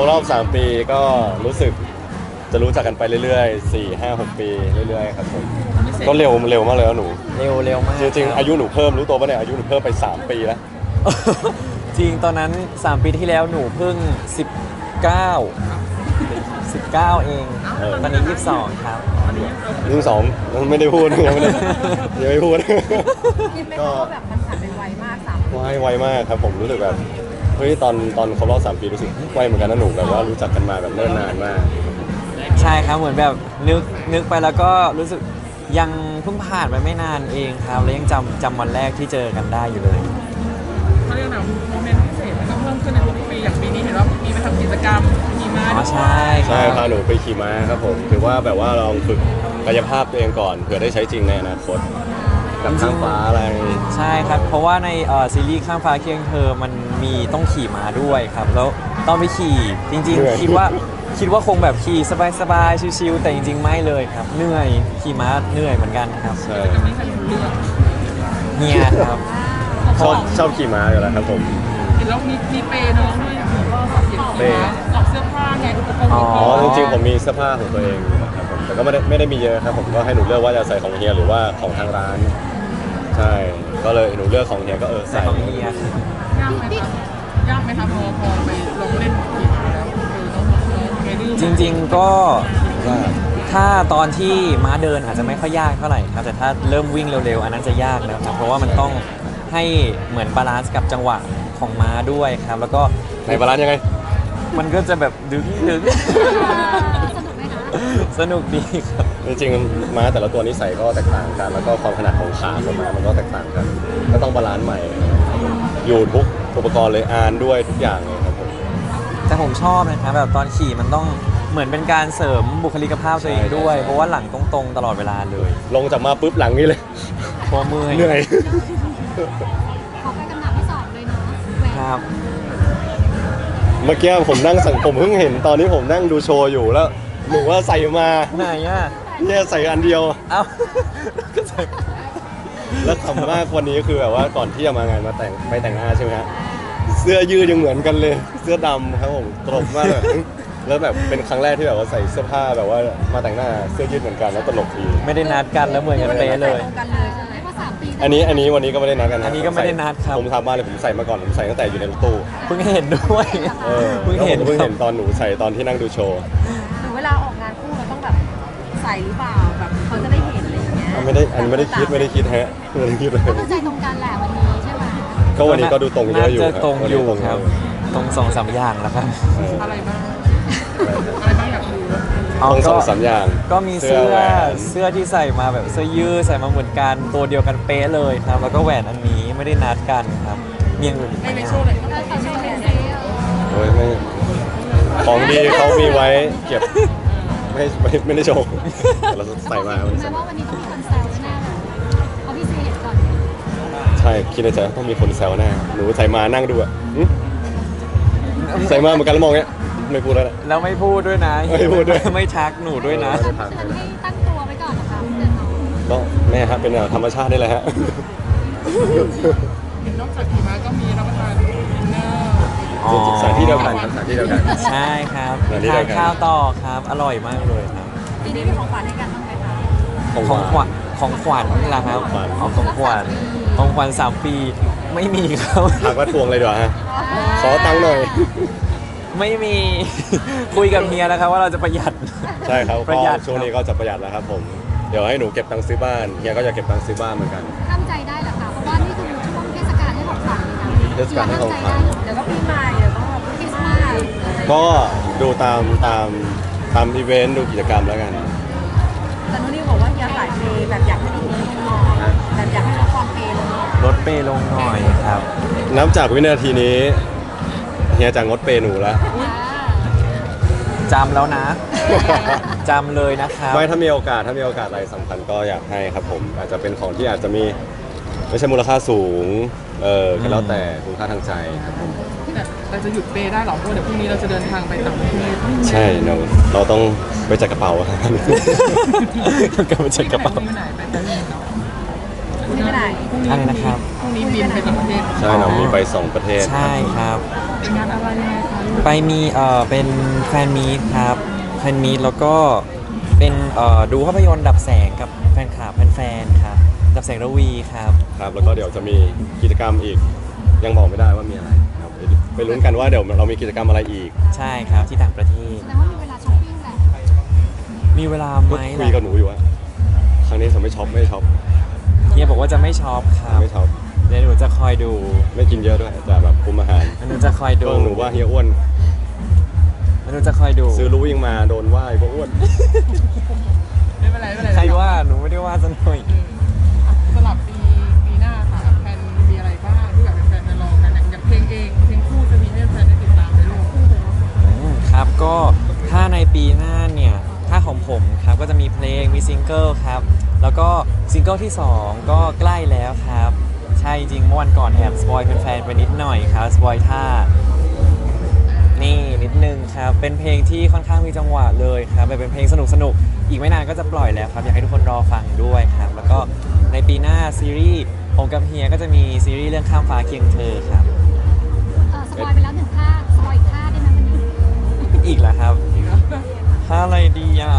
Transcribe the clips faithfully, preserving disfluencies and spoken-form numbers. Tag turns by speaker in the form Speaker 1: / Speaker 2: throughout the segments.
Speaker 1: รอบสามปีก็รู้สึกจะรู้จักกันไปเรื่อยๆสี่ห้าหกปีเรื่อยๆครับผมก็เร็วเร็วมากเลยหนู
Speaker 2: เร็วเร็วมาก
Speaker 1: จริงๆอายุหนูเพิ่มรู้ตัวปะเนี่ยอายุหนูเพิ่มไปสามปีแล้ว
Speaker 2: จริงตอนนั้นสามปีที่แล้วหนูเพิ่งสิบเก้า สิบเก้าเองตอนนี้ยี่สิบสองครับ
Speaker 1: ยี่สิบสองไม่ได้พูดยังไม่ได้ยังไม่พูด
Speaker 3: คิดไหมคะว่าแบบมันผ่านไปไวมากสามปี
Speaker 1: ไวไวมากครับผมรู้สึกแบบเฮ้ยตอนตอนครบรอบสามปีรู้สึกไวเหมือนกันนะหนูแบบว่ารู้จักกันมาแบบเนิ่นนานมาก
Speaker 2: ใช่ครับเหมือนแบบนึกนึกไปแล้วก็รู้สึกยังเพิ่งผ่านไปไม่นานเองครับแล้วยังจำจำวันแรกที่เจอกันได้อยู่เลย
Speaker 4: เขาเรียกว่าโมเมนต์พิเศษมันก็เพิ่มขึ้นในทุกปีอย่างปีนี้เห็นว่ามีมาทำกิจกรรมขี่ม้าด้วย
Speaker 2: ใช่
Speaker 1: ใช่พาหนูไปขี่ม้าครับผมถือว่าแบบว่าลองฝึกกายภาพตัวเองก่อนเผื่อได้ใช้จริงในอนาคตกับข้างฟ้าอะไร
Speaker 2: ใช่ครับเพราะว่าในซีรีส์ข้างฟ้าเคียงเธอมันมีต้องขี่ม้าด้วยครับแล้วตอนไปขี่จริงๆคิดว่าคิดว่าคงแบบขี่สบายๆชิวๆแต่จริงๆไม่เลยครับเหนื่อยขี่ม้าเหนื่อยเหมือนกันครับ
Speaker 1: ใช่
Speaker 2: เฮียครับ
Speaker 1: ชอบชอบขี่ม้าอยู่แล้วครับผม
Speaker 4: เห็นแล้วมีมีเปย์น้องด้วยเปย์ออกเสื้อผ้าไงอุปกรณ์
Speaker 1: อ๋อจริงๆผมมีเสื้อผ้าของตัวเองนะครับผมแต่ก็ไม่ได้ไม่ได้มีเยอะครับผมก็ให้หนูเลือกว่าจะใส่ของเฮียหรือว่าของทางร้านใช่ก็เลยหนูเลือกของเฮียก็เออใส่
Speaker 2: ของเฮีย
Speaker 4: ยากไหมคะยากไหมคะพอพอไปลงเล่นขี่ม้าแล้ว
Speaker 2: จริงๆก็ถ้าตอนที่ม้าเดินอาจจะไม่ค่อยยากเท่าไหร่ครับแต่ถ้าเริ่มวิ่งเร็วๆอันนั้นจะยากแล้วครับเพราะว่ามันต้องให้เหมือนบาลานซ์กับจังหวะของม้าด้วยครับแล้วก็
Speaker 1: ในบาลานซ์ยังไง
Speaker 2: มันก็จะแบบดึงดึงสนุกดีครับ
Speaker 1: จริงๆม้าแต่ละตัวนิสัยก็แตกต่างกันแล้วก็ความขนาดของขาของม้ามันก็แตกต่างกันก็ต้องบาลานซ์ใหม่อยู่ทุกอุปกรณ์เลยอานด้วยทุกอย่างเลยครับผม
Speaker 2: แต่ผมชอบนะครับแบบตอนขี่มันต้องเหมือนเป็นการเสริมบุคลิกภาพตัวเองด้วยเพราะว่าหลังตรงๆตลอดเวลาเลย
Speaker 1: ลงจากมาปุ๊บหลังนี่เลย
Speaker 2: พอเมื่อย
Speaker 1: เหนื่อย
Speaker 3: ขอไปคำถามที่สองเลยเนาะ
Speaker 2: ครับ
Speaker 1: เมื่อกี้ผมนั่งสั่งผมเพิ่งเห็นตอนนี้ผมนั่งดูโชว์อยู่แล้วหนูว่าใส่มา
Speaker 2: ไหนอ่ะ
Speaker 1: เนี่ยใส่อันเดียว
Speaker 2: เอ้าก็ใส่
Speaker 1: แล้วขำมากวันนี้คือแบบว่าก่อนที่จะมางานมาแต่งไปแต่งหน้าใช่ไหมฮะเสื้อยืดยังเหมือนกันเลยเสื้อดำครับผมตลกมากเลยแล้วแบบเป็นครั้งแรกที่แบบว่าใส่เสื้อผ้าแบบว่ามาแต่งหน้าเสื้อยืดเหมือนกันแล้วตลกดี
Speaker 2: ไม่ได้นัดกันแล้วเหมือนกันเป๊ะเลย
Speaker 1: อันนี้อันนี้วันนี้ก็ไม่ได้นัดกัน
Speaker 2: อันนี้ก็ไม่ได้นัดครับ
Speaker 1: ผมทำบ้านเลยผมใส่มาก่อนผมใส่ตั้งแต่อยู่ในรถตู้
Speaker 2: เพิ่งเห็นด้วย
Speaker 1: เพิ่งเห็นเพิ่งเห็นตอนหนูใส่ตอนที่นั่งดูโชว์
Speaker 3: หรือเวลาออกงานคู่เราต้องแบบใส่หรือเปล่าแบบเขาจะได้เห็นอะไรอย่างเงี้ย
Speaker 1: ไม่ได้อันไม่ได้คิดไม่ได้คิดฮะไม่ได้คิดเลย
Speaker 3: เข้าใจตรงกันแหละวันนี้ใช่ไหม
Speaker 1: ก็วันนี้ก็ดูตรงเยอะอยู่
Speaker 2: ตรงอยู่ครับตรงสองสามอย่างแล้วครับ
Speaker 4: อะไรบ้างอะไรบ้างอยากรู้
Speaker 1: ตรงสองสามอย่าง
Speaker 2: ก็มีเสื้อเสื้อที่ใส่มาแบบเสื้อยืดใส่มาเหมือนกันตัวเดียวกันเป๊ะเลยครับแล้วก็แหวนอันนี้ไม่ได้นัดกันครับมีอย่างอื่น
Speaker 4: ไม่ในโชว์เลย
Speaker 1: โอ้ยไม่ของดีเขามีไว้เก็บไม่ไม่ไม่ได้โชว์เราใส่มา
Speaker 3: แม้ว่าวันนี้ต้องมีคนแซวแน่เลยเขาพี่ซีเห็นก่อน
Speaker 1: ใช่คิดในใจต้องมีคนแซวแน่หนูใส่มานั่งดูอ่ะใส่มาเหมือนกันแล้วมองเงี้ยไม่พูดแล้วนะ
Speaker 2: แล้วไม่พูดด้วยนะ
Speaker 1: ไม่พูดด้วย
Speaker 2: ไม่ทักหนูด้วยนะ
Speaker 3: ให้ตั้งตัวไว้ก่อนนะคะเดี๋ยวน้อง
Speaker 1: ก็แม่ฮะเป็นธรรมชาตินี่แหละฮะ
Speaker 4: นอกจากขี่ม้าก็มีรับประทานดินเนอร์
Speaker 1: สถานที่เดียวกันสถานที่เดียวกัน
Speaker 2: ใช่ครับทานข้าวต่อครับอร่อยมากเลยครับ
Speaker 3: ทีนี้มีของขวัญให้กันบ้างไหมคะ
Speaker 2: ของขวัญของขวัญนี่แหละครับเอาของขวัญของขวัญสามปีไม่มีครับ
Speaker 1: ถามว่าทวงเลยดีกว่าฮะขอตังค์หน่อย
Speaker 2: ไม่มีคุยกับเฮียนะครับว่าเราจะประหยัด
Speaker 1: ใช่ครับประหยัดช่วงนี้ก็จะประหยัดแล้วครับผมเดี๋ยวให้หนูเก็บตังค์ซื้อบ้านเฮียก็จะเก็บตังค์ซื้อบ้านเหมือนกัน
Speaker 3: ทำใจได้เหรอคะเพราะว่านี่คือช่วงเทศกาลให้ของขวัญ
Speaker 1: เทศกาลให้ของขวัญ
Speaker 3: เดี๋ยวก็ปีใหม่เดี๋ยวก็คริสต์มาส
Speaker 1: ก็ดูตามตามตามอีเวนต์ดูกิจกรรมแล้วกัน
Speaker 3: แต่นุ่นนี่บอกว่าเฮียสายเปย์แบบอยากให้ลดลงหน่อยแบบอยากให้ลดความเปย์ลงหน่อย
Speaker 2: ลดเปย์ลงหน่อยครับ
Speaker 1: นับจากวินาทีนี้เฮียจะงดเปย์หนูแล้ว
Speaker 2: จำแล้วนะจำเลยนะครับ
Speaker 1: ไม่ถ้ามีโอกาสถ้ามีโอกาสอะไรสำคัญก็อยากให้ครับผมอาจจะเป็นของที่อาจจะมีไม่ใช่มูลค่าสูงเออก็แล้วแต่คุณค่าทางใจครับผม
Speaker 4: แต่เราจะหยุดเปย์ได้หรอเพราะเดี๋ยวพรุ่งนี้เราจะเดินทางไปต่างประเทศ
Speaker 1: ใช่เราเราต้องไปจัดกระเป๋าครับ
Speaker 2: ก็ไปจัดกระเป๋า
Speaker 3: คุณไปไหน
Speaker 4: พรุ่งนี้
Speaker 2: อะไรนะครับ
Speaker 4: พรุ่งนี้บินไปต่างประเทศ
Speaker 1: ใช่เรามีไปสองประเทศ
Speaker 2: ใช่ครับ
Speaker 4: เป็นงานอะไรยังไงคะ
Speaker 2: ไปมีเอ่อเป็นแฟนมีตครับแฟนมีตแล้วก็เป็นเอ่อดูภาพยนตร์ดับแสงกับแฟนคลับแฟนๆครับดับแสงระวีครับ
Speaker 1: ครับแล้วก็เดี๋ยวจะมีกิจกรรมอีก ยังบอกไม่ได้ว่ามีอะไรครับไปไปลุ้นกันว่าเดี๋ยวเรามีกิจกรรมอะไรอีก
Speaker 2: ใช่ครับที่ต่างประเทศ
Speaker 3: แต่ว่ามีเวลาช้อปปิ้งแหละ
Speaker 2: มีเวลาไหม
Speaker 1: คุยกับหนูอยู่ว่าครั้งนี้จะไม่ช็อปไม่ช็อป
Speaker 2: เฮียบอกว่าจะไม่ช็อปครับ
Speaker 1: ไม่ช็อป
Speaker 2: เดี๋ยวหนูจะคอยดู
Speaker 1: ไม่กินเยอะด้วยจะแบบคุมอาหาร
Speaker 2: หนูจะคอยดู
Speaker 1: ก็หนูว่าเฮียอ้วน
Speaker 2: หนูจะคอยดู
Speaker 1: ซื้อรู้ยังมาโดนว่าก็อ้วน
Speaker 4: ไม่เป็นไรไม่เป็นไร
Speaker 2: ใครว่าหนูไม่ได้ว่าซะหน่อย
Speaker 4: อ่ะสำหรับปีปีหน้าค่ะแฟนมีอะไรบ้างที่แบบแฟนๆจะรอกันอย่างอย่างเพลงเองเพลงคู่จะมีให้แฟนได้ติดตามในโลก
Speaker 2: อืมครับก็ถ้าในปีหน้าเนี่ยถ้าของผมครับก็จะมีเพลงมีซิงเกิลครับแล้วก็ซิงเกิลที่สองก็ใกล้แล้วครับใช่จริงเมื่อวันก่อนแอบสปอยแฟนๆไปนิดหน่อยครับสปอยท่านี่นิดนึงครับเป็นเพลงที่ค่อนข้างมีจังหวะเลยครับเป็นเพลงสนุกสนุกๆอีกไม่นานก็จะปล่อยแล้วครับอยากให้ทุกคนรอฟังด้วยครับแล้วก็ในปีหน้าซีรีส์ผมกับเฮียก็จะมีซีรีส์เรื่องข้ามฟ้าเคียงเธอครับ
Speaker 3: เออสปอยไปแล้วหนึ่งท่าสปอยอีกท่าได้ไหมวันนี้
Speaker 2: อีกแล้วครับถ้าอะไรดีอ่ะ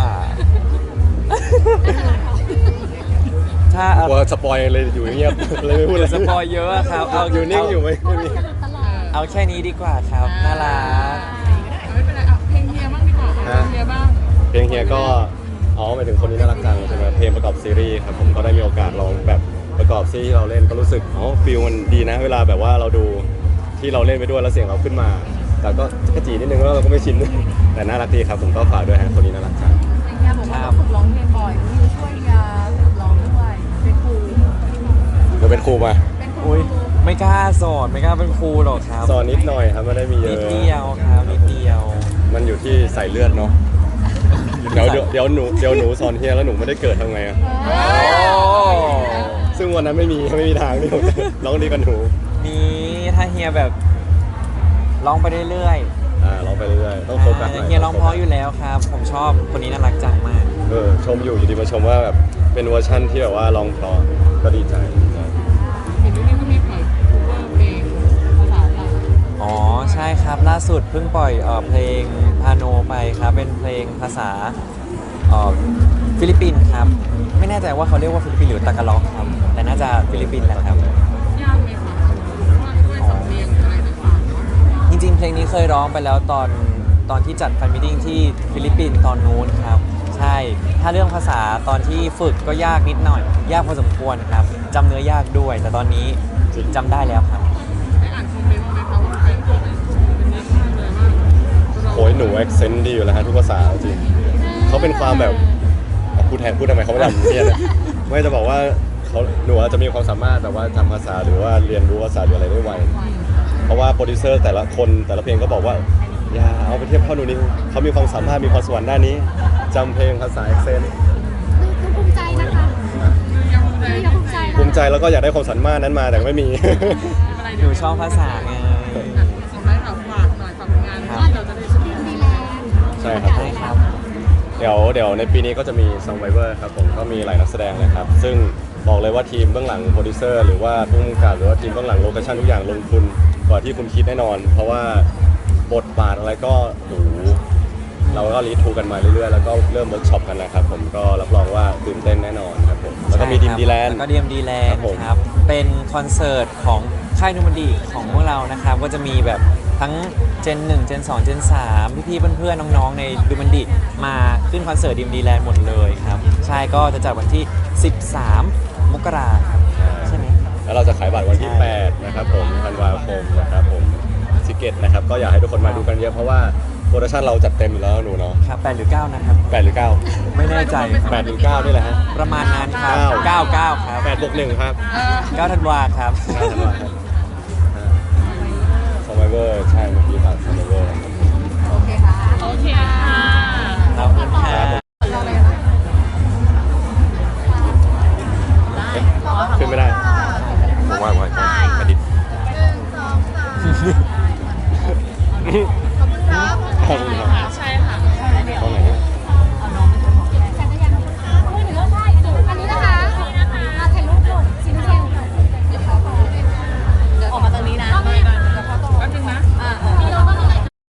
Speaker 2: ถ้าเอา
Speaker 1: กลัวสปอยเลยอยู่เงียบ เลยไม่พูดเลย
Speaker 2: สปอยเยอะอะครับเอา
Speaker 1: อยู่นิ่งอยู่ไหมไม่มี
Speaker 3: ตลอด
Speaker 2: เอาแค่นี้ดีกว่าครับน่ารัก
Speaker 4: ไม่เป็นไรอ่ะเพลงเฮียบ้างดีกว่าเพลงเฮียบ้าง
Speaker 1: เพลงเฮียก็อ๋อหมายถึงคนนี้น่ารักจังใช่ไหมเพลงประกอบซีรีส์ครับผมก็ได้มีโอกาสลองแบบประกอบซีรีส์ที่เราเล่นก็รู้สึกอ๋อฟิลมันดีนะ เวลาแบบว่าเราดูที่เราเล่นไปด้วยแล้วเสียงเราขึ้นมา แต่ก็กระจีนิดนึงแล้วเราก็ไม่ชิน แต่น่ารักดีครับผมก็ฝากด้วยฮะคนนี้น่ารักจัง
Speaker 3: เฮียบอกว่าต้องฝึกร้องเพลงบ่อยมีช่วยเฮียฝึกร้องด้วยเป็นครู
Speaker 1: เราเป็นครูมา
Speaker 3: เป็นครู
Speaker 2: อุ้ยไม่กล้าสอนไม่กล้าเป็นครูหรอกครับ
Speaker 1: สอนนิดหน่อยครับไม่ได้มีเย
Speaker 2: นิด
Speaker 1: อะ
Speaker 2: เดียวครับนิดเดียว
Speaker 1: มันอยู่ที่ใส่เลือดเนาะเดี๋ยวเดี๋ยวเดี๋ยวหนูเดี๋ยวหนูสอนเฮียแล้วหนูไม่ได้เกิดทำไงอะ
Speaker 2: โอ้
Speaker 1: ซึ่งวันนั้นไม่มีไม่มีทางที่ผมจะร้องดีกันหนู
Speaker 2: นี่ถ้าเฮียแบบร้องไปเรื่อย
Speaker 1: อ่าร้องไปเรื่อยๆ
Speaker 2: ๆ
Speaker 1: ต้องโฟกัสหน่อย
Speaker 2: เฮียร้องเพราะอยู่แล้วครับ ผมชอบคนนี้น่ารักจังมาก
Speaker 1: เออชมอยู่อยู่ดีมาชมว่าแบบเป็นเวอร์ชั่นที่แบบว่าร้องเพราะก็ดีใจ
Speaker 4: เห็นว่านี่ก็มีเปิดคูเวอร์เพลงภาษาต่าง
Speaker 2: อ๋อใช่ครับล่าสุดเพิ่งปล่อยเอ่อเพลงพาโนไปครับเป็นเพลงภาษาเอ่อฟิลิปปินส์ครับไม่แน่ใจว่าเขาเรียกว่าฟิลิปปินส์หรือตากาล็อกครับแต่น่าจะฟิลิปปินส์แหละครับ
Speaker 4: ยากไหมคะเพราะว่าด้วยสำเนียงอะไรต่างๆเนาะ
Speaker 2: จริงๆ เพลงนี้เคยร้องไปแล้วตอนตอนที่จัดแฟนมิทติ้งที่ฟิลิปปินส์ตอนนู้นครับใช่ถ้าเรื่องภาษาตอนที่ฝึกก็ยากนิดหน่อย ยากพอสมควรครับจำเนื้อยากด้วย แต่ตอนนี้จำได้แล้วครับ
Speaker 4: ได้อ่านคอมเมนต์ไหมคะว่าแฟนคลับเป็นเยอะมากเลยว่า
Speaker 1: โอ้ยหนูแอคเซนต์ดีอยู่แล้วฮะทุกภาษาจริงเขาเป็นความแบบเอาพูดแทนพูดทำไมเขาไม่ทำเนี่ยนะไม่จะบอกว่าเขาหนูอาจจะมีความสามารถแบบว่าจำภาษาหรือว่าเรียนรู้ภาษาหรืออะไรได้ไวเพราะว่าโปรดิวเซอร์แต่ละคนแต่ละเพลงก็บอกว่าอย่าเอาไปเทียบเท่าหนูนี่เขามีความสามารถมีความสวรรค์ด้านนี้จำเพลงภาษาแอคเซนต์
Speaker 3: ดูภูมิใจนะคะ
Speaker 4: ยังใจ
Speaker 3: ดูยังภูมิใจนะ
Speaker 1: ภูมิใจแล้วก็อยากได้ความสามารถนั้นมาแต่ไม่มี
Speaker 4: อะไร
Speaker 2: หนูชอบภาษาไง
Speaker 4: สุดท้ายค่ะฝากหน่อยฝากผลงานที่เราจะได้ชม
Speaker 3: ดีแลนด์
Speaker 1: ใช่ครับผม
Speaker 2: ใช่ครับ
Speaker 1: เดี๋ยวเดี๋ยวในปีนี้ก็จะมี Survivor ครับผมก็มีหลายนักแสดงเลยครับ ซึ่งบอกเลยว่าทีมเบื้องหลังโปรดิวเซอร์หรือว่าผู้กำกับหรือว่าทีมเบื้องหลังโลเคชั่นทุกอย่างลงทุนกว่าที่คุณคิดแน่นอน เพราะว่าบทบาทอะไรก็โอ้โหเราก็รีทูกันมาเรื่อยๆ แล้วก็เริ่มเวิร์กช็อปกันนะครับผมก็รับรองว่าตื่นเต้นแน่นอนครับผมแล้วก็มีดีมดีแลนด์
Speaker 2: แล้วก็ดีมดีแลน
Speaker 1: ครั
Speaker 2: ด์
Speaker 1: บผม
Speaker 2: ครับ เป็นคอนเสิร์ตของค่ายนูมันดีของพวกเรานะครับ ก็จะมีแบบทั้งเจนหนึ่งเจนสองเจนสามพี่ๆเพื่อนๆน้องๆในดูมันดีมาขึ้นคอนเสิร์ตดีมดีแลนด์หมดเลยครับ ใช่ก็จะจัดวันที่ สิบสาม มกราครับใช่ไหม
Speaker 1: แล้วเราจะขายบัตรวันที่
Speaker 2: ใช่
Speaker 1: แปดนะครับผมธันวาคมนะครับผมทิเก็ตนะครับก็อยากให้ทุกคนมาดูกันเยอะเพราะว่าโปรดักชั่นเราจัดเต็มอยู่แล้วหนูเนาะ
Speaker 2: ครับแปดหรือเก้านะครับ
Speaker 1: แปดหรือเก้า
Speaker 2: ไม่แน่ใจ
Speaker 1: แปดหรือเก้านี่แหละฮะ
Speaker 2: ประมาณนั้นครับ
Speaker 1: เก้า
Speaker 2: เก้าเก้าครับ
Speaker 1: แปดบวกหนึ่งครับ
Speaker 2: เก้าธันวาครับ
Speaker 1: เก้าธันวาคม Survivor ใช่เมื่อกี้ฝาก Survivor ครับ